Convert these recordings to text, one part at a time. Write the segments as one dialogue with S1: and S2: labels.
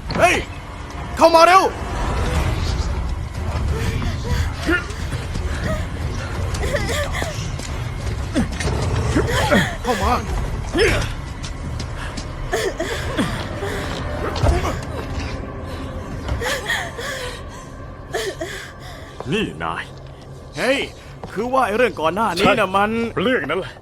S1: เฮ้ยเข้ามาเร็วเข้ามา
S2: นี่นาย
S1: เฮ้ยคือว่าไอ้เรื่องก่อนหน้านี้นะมัน
S2: เรื่องนั้นแหละ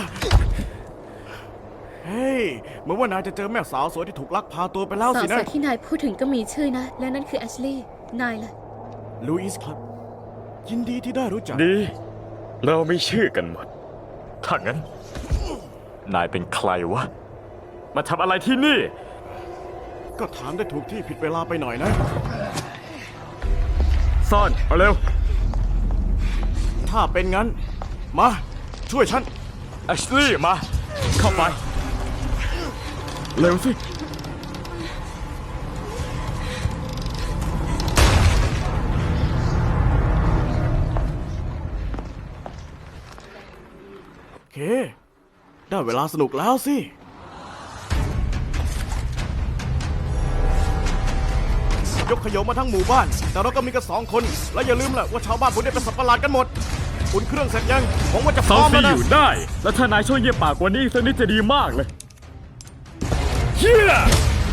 S1: เฮ้ยเหมือนว่านายจะเจอแม่สาวสวยที่ถูกลักพาตัวไปแล้ว
S3: สาว
S1: สิ
S3: ส
S1: นะ
S3: วยที่นายพูดถึงก็มีชื่อนะ และนั่นคือแอชลีย์นายล่ะ
S1: ลูอิสครับยินดีที่ได้รู้จัก
S2: ดี เราไม่ชื่อกันหมด ถ้างั้น นายเป็นใครวะ มาทำอะไรที่นี่
S1: ก็ถามได้ถูกที่ผิดเวลาไปหน่อยนะ
S2: ซ่อน เอาเร็ว
S1: ถ้าเป็นงั้น มาช่วยฉัน
S2: แอชลี่มา เข้าไป เร็วสิ
S1: โอเค ได้เวลาสนุกแล้วสิ ยกขยงมาทั้งหมู่บ้าน แต่เราก็มีกัน2 คน และอย่าลืมแหละว่าชาวบ้านพวกนี้เป็นสัตว์ประหลาดกันหมดอุ่นเครื่องเสร็จยังหวังว่าจะพ
S2: ซา
S1: ร้
S2: ว
S1: อม
S2: ซี
S1: แล้ว
S2: อ
S1: นะ
S2: ยู่ได้ แล้วถ้านายช่วยเงียบปากกว่านี้อีกสักนิดจะดีมากเลยเฮีย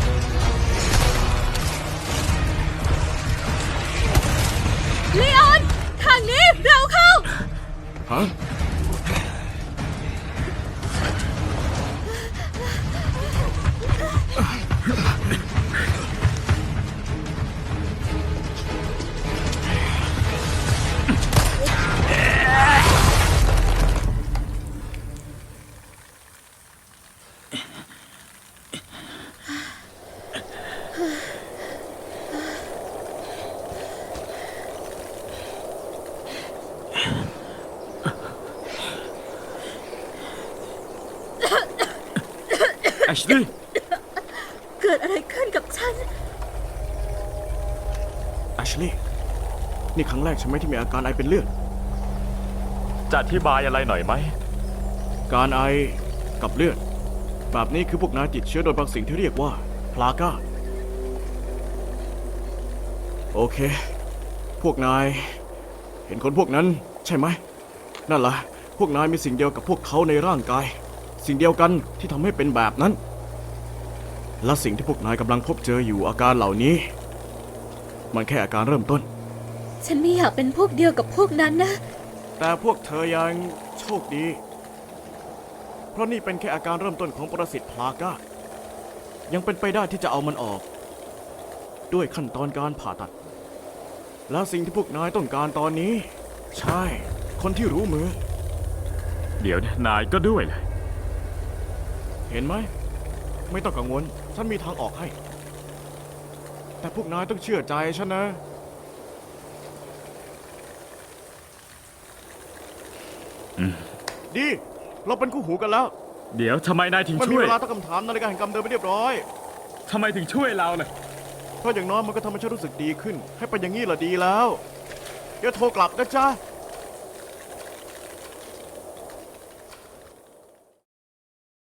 S3: ลีออน ทางนี้ เร็วเข้า
S1: ฮะ
S2: แอชลี่
S3: เกิดอะไรขึ้นกับฉัน
S1: แอชลีย์นี่ครั้งแรกใช่ไหมที่มีอาการไอเป็นเลือด
S2: จะอธิบายอะไรหน่อยไหม
S1: การไอกับเลือด แบบนี้คือพวกนายติดเชื้อโดยบางสิ่งที่เรียกว่าพลาก้า โอเค พวกนาย เห็นคนพวกนั้นใช่ไหม นั่นล่ะ พวกนายมีสิ่งเดียวกับพวกเขาในร่างกาย สิ่งเดียวกันที่ทำให้เป็นแบบนั้น และสิ่งที่พวกนายกำลังพบเจออยู่อาการเหล่านี้ มันแค่อาการเริ่มต้น
S3: ฉันไม่อยากเป็นพวกเดียวกับพวกนั้นนะ
S1: แต่พวกเธอยังโชคดี เพราะนี่เป็นแค่อาการเริ่มต้นของปรสิตพลาก้า ยังเป็นไปได้ที่จะเอามันออก ด้วยขั้นตอนการผ่าตัด และสิ่งที่พวกนายต้องการตอนนี้ ใช่ คนที่รู้มือ
S2: เดี๋ยวนะนายก็ด้วยเลย
S1: เห็นไหม ไม่ต้องกังวล ฉันมีทางออกให้ แต่พวกนายต้องเชื่อใจฉันนะ ดี เราเป็นคู่หูกันแล้ว
S2: เดี๋ยวทำไมนายถึง
S1: มันมี
S2: ช่วย
S1: เวลาตั้งคำถามนาฬิกาแห่งกรรมเดินไปเรียบร้อย
S2: ทำไมถึงช่วยเราล่ะ
S1: เพราะอย่างน้อยมันก็ทำให้ฉันรู้สึกดีขึ้น ให้เป็นอย่างนี้ล่ะดีแล้ว เดี๋ยวโทรกลับนะจ๊ะ